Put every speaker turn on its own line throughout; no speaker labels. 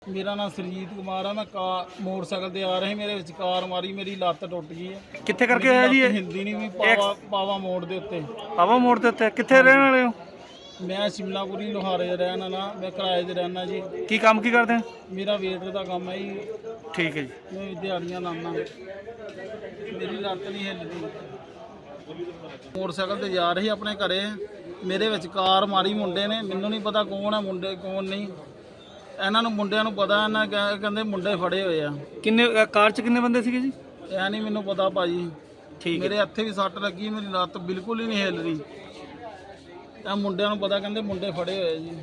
ਮੇਰਾ ਨਾਮ ਸਰਜੀਤ ਕੁਮਾਰ ਆ। ਮੈਂ ਮੋਟਰਸਾਈਕਲ ਤੇ ਆ ਰਹੀ, ਮੇਰੇ ਵਿੱਚ ਕਾਰ ਮਾਰੀ, ਮੇਰੀ ਲੱਤ ਟੁੱਟ ਗਈ ਹੈ।
ਕਿੱਥੇ ਕਰਕੇ ਹੋਇਆ ਜੀ ਇਹ?
ਹਿੰਦੀ ਨਹੀਂ ਵੀ ਪਾਵਾ ਮੋੜ ਦੇ ਉੱਤੇ।
ਪਾਵਾ ਮੋੜ ਦੇ ਉੱਤੇ ਕਿੱਥੇ ਰਹਿਣ ਵਾਲੇ ਹੋ?
ਮੈਂ ਸ਼ਿਮਲਾਪੁਰੀ ਲੋਹਾਰੇ ਦਾ ਰਹਿਣ ਵਾਲਾ, ਮੈਂ ਕਿਰਾਏ ਤੇ ਰਹਿਣਾ ਜੀ।
ਕੀ ਕੰਮ ਕੀ ਕਰਦੇ ਹੋ?
ਮੇਰਾ ਵੇਟਰ ਦਾ ਕੰਮ ਹੈ ਜੀ।
ਠੀਕ ਹੈ ਜੀ।
ਮੈਂ ਦਿਹਾੜੀਆਂ ਲਾਉਣਾ, ਮੇਰੀ ਲੱਤ ਨਹੀਂ ਹਿੱਲਦੀ। ਮੋਟਰਸਾਈਕਲ ਤੇ ਜਾ ਰਹੀ ਆਪਣੇ ਘਰੇ, ਮੇਰੇ ਵਿੱਚ ਕਾਰ ਮਾਰੀ ਮੁੰਡੇ ਨੇ। ਮੈਨੂੰ ਨਹੀਂ ਪਤਾ ਕੌਣ ਹੈ ਮੁੰਡੇ ਕੌਣ ਨਹੀਂ। ਇਹਨਾਂ ਨੂੰ ਮੁੰਡਿਆਂ ਨੂੰ ਪਤਾ, ਇਹਨਾਂ ਕਹਿੰਦੇ ਮੁੰਡੇ ਫੜੇ ਹੋਏ ਆ।
ਕਿੰਨੇ ਕਾਰ 'ਚ ਕਿੰਨੇ ਬੰਦੇ ਸੀਗੇ ਜੀ?
ਇਹ ਨਹੀਂ ਮੈਨੂੰ ਪਤਾ ਭਾਜੀ।
ਠੀਕ
ਮੇਰੇ ਹੱਥੇ ਵੀ ਸੱਟ ਲੱਗੀ, ਮੇਰੀ ਲੱਤ ਬਿਲਕੁਲ ਹੀ ਨਹੀਂ ਹਿੱਲ ਰਹੀ। ਇਹ ਮੁੰਡਿਆਂ ਨੂੰ ਪਤਾ, ਕਹਿੰਦੇ ਮੁੰਡੇ ਫੜੇ ਹੋਏ ਜੀ।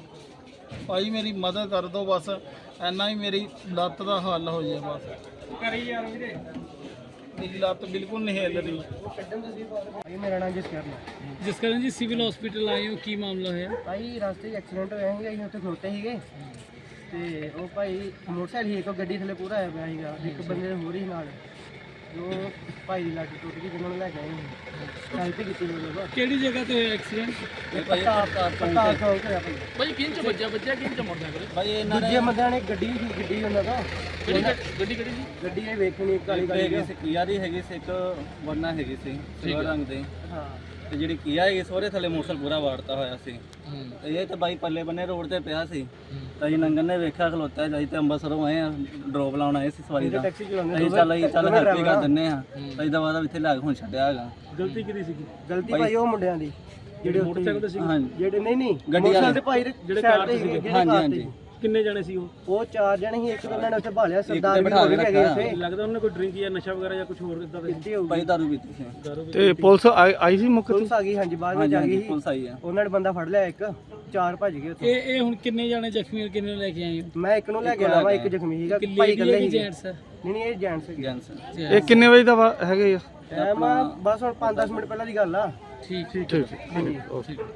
ਭਾਈ ਮੇਰੀ ਮਦਦ ਕਰ ਦਿਓ ਬਸ, ਇੰਨਾ ਹੀ ਮੇਰੀ ਲੱਤ ਦਾ ਹੱਲ ਹੋ ਜਾਏ ਬਸ। ਕਰੀ ਯਾਰ ਵੀਰੇ, ਮੇਰੀ ਲੱਤ ਬਿਲਕੁਲ ਨਹੀਂ ਹਿੱਲ ਰਹੀ।
ਮੇਰਾ ਨਾਮ ਜਸਕਰਨ ਹੈ।
ਜਸਕਰਨ ਜੀ, ਸਿਵਲ ਹਸਪੀਟਲ ਆਏ ਹੋ, ਕੀ ਮਾਮਲਾ ਹੋਇਆ?
ਭਾਈ ਰਸਤੇ 'ਚ ਐਕਸੀਡੈਂਟ ਹੋਇਆ ਸੀਗਾ, ਅਸੀਂ ਉੱਥੇ ਖਲੋਤੇ ਸੀਗੇ ਤੇ ਉਹ ਭਾਈ ਮੋਟਰਸਾਈਕਲ ਹੀ ਇੱਕ ਗੱਡੀ ਥੱਲੇ ਪੂਰਾ ਆਇਆ ਪਿਆ ਸੀਗਾ, ਇੱਕ ਬੰਦੇ ਹੋਰ ਹੀ ਨਾਲ। ਜੋ ਭਾਈ ਦੀ ਲੱਤ ਟੁੱਟ ਗਈ, ਜਿਹਨਾਂ ਨੂੰ ਲੈ ਕੇ ਆਏ ਸੀ, ਹੈਲਪ ਕੀਤੀ ਹੋਈ।
ਕਿਹੜੀ ਜਗ੍ਹਾ ਤੇ ਹੋਇਆ ਐਕਸੀਡੈਂਟ?
ਪਤਾ ਚੌਂਕ ਹੋਇਆ ਭਾਈ।
ਭਾਈ ਕਿੰਨ ਚ ਵੱਜਿਆ ਕਿੰਨ ਚ ਮੋਟਰਸਾਈਕਲ?
ਭਾਈ ਇਹਨਾਂ
ਦੂਜੇ ਬੰਦਿਆਂ ਨੇ ਗੱਡੀ ਸੀ, ਗੱਡੀ ਉਹਨਾਂ ਦਾ
ਗੱਡੀ ਕਿਹੜੀ ਸੀ?
ਗੱਡੀ ਇਹ ਵੇਖਣੀ ਕਾਲੀ ਕਾਲੀ
ਸੀ, ਕੀਆ ਦੀ ਹੈਗੀ ਸੀ, ਇੱਕ ਵਰਨਾ ਹੈਗੀ ਸੀ ਸਿਲਵਰ ਰੰਗ ਦੇ।
ਹਾਂ।
ਤੇ ਜਿਹੜੀ ਕੀਆ ਹੈਗੀ ਸੋਰੇ ਥੱਲੇ ਮੋਟਰਸਾਈਕਲ ਪੂਰਾ ਵਾੜਤਾ ਹੋਇਆ ਸੀ। ਤੇ ਇਹ ਤਾਂ ਬਾਈ ਪੱਲੇ ਬੰਨੇ ਰੋਡ ਤੇ ਪਿਆ ਸੀ। ਤਾਂ ਅਸੀਂ ਨੰਗਨ ਨੇ ਵੇਖਿਆ ਖਲੋਤਾ ਜਾਈ, ਤੇ ਅੰਬਰਸਰੋਂ ਆਏ ਆ, ਡਰੋਪ ਲਾਉਣ ਆਏ ਸੀ ਸਵਾਰੀ ਦਾ।
ਟੈਕਸੀ ਚਲਾਉਂਦੇ
ਅਸੀਂ ਚੱਲ ਹੈਲਪ ਹੀ ਕਰ ਦਿੰਨੇ ਆ। ਅਸੀਂ ਦਵਾ ਦਾ ਇੱਥੇ ਲਿਆ ਕੇ ਹੁਣ ਛੱਡਿਆ ਹੈਗਾ।
ਗਲਤੀ ਕਿਹਦੀ ਸੀਗੀ?
ਗਲਤੀ ਭਾਈ ਉਹ ਮੁੰਡਿਆਂ ਦੀ ਜਿਹੜੇ ਮੋਟਰਸਾਈਕਲ ਤੇ ਸੀ।
ਹਾਂਜੀ
ਜਿਹੜੇ ਨਹੀਂ
ਗੱਡੀ
ਮੋਟਰਸਾਈਕਲ ਤੇ ਭਾਈ
ਜਿਹੜੇ ਕਾਰ ਤੇ ਸੀਗੇ।
ਹਾਂਜੀ ਹਾਂਜੀ।
ਕਿੰਨੇ ਜਣੇ ਸੀ ਉਹ?
ਉਹ 4 ਜਣੇ ਸੀ, ਇੱਕ ਤਾਂ ਉਹਨਾਂ ਨੇ ਉੱਥੇ ਭਾਲਿਆ, ਸਰਦਾਰ ਵੀ ਹੋ ਗਏ ਉੱਥੇ।
ਲੱਗਦਾ ਉਹਨੇ ਕੋਈ ਡਰਿੰਕ ਜਾਂ ਨਸ਼ਾ ਵਗੈਰਾ ਜਾਂ ਕੁਝ ਹੋਰ ਇਦਾਂ ਦਾ
ਕਿੱਥੇ ਹੋਊਗੀ?
ਬਾਈ ਦਾਰੂ ਪੀਤੀ ਸੀ।
ਤੇ ਪੁਲਿਸ ਆਈ ਸੀ ਮੁੱਖ?
ਪੁਲਿਸ ਆ ਗਈ, ਹਾਂਜੀ ਬਾਅਦ ਵਿੱਚ ਆ ਗਈ ਸੀ।
ਪੁਲਿਸ ਆਈ ਆ।
ਉਹਨਾਂ ਨੇ ਬੰਦਾ ਫੜ ਲਿਆ, ਇੱਕ 4 ਭੱਜ ਗਏ ਉੱਥੇ।
ਇਹ ਹੁਣ ਕਿੰਨੇ ਜਣੇ ਜ਼ਖਮੀ ਔਰ ਕਿੰਨੇ ਲੈ ਕੇ ਆਏ ਹੋ?
ਮੈਂ ਇੱਕ ਨੂੰ ਲੈ ਕੇ ਆਇਆ ਵਾ, ਇੱਕ ਜ਼ਖਮੀ ਸੀਗਾ, ਭਾਈ ਇਕੱਲੇ ਸੀ।
ਜੈਂਟਸ
ਨਹੀਂ ਇਹ ਜੈਂਟਸ ਸੀ।
ਜੈਂਸ
ਇਹ ਕਿੰਨੇ ਵਜੇ ਦਾ ਹੈਗੇ ਆ?
ਟਾਈਮ ਬਸ ਹੁਣ 5-10 ਮਿੰਟ ਪਹਿਲਾਂ ਦੀ ਗੱਲ ਆ।
ਠੀਕ
ਠੀਕ
ਹਾਂਜੀ।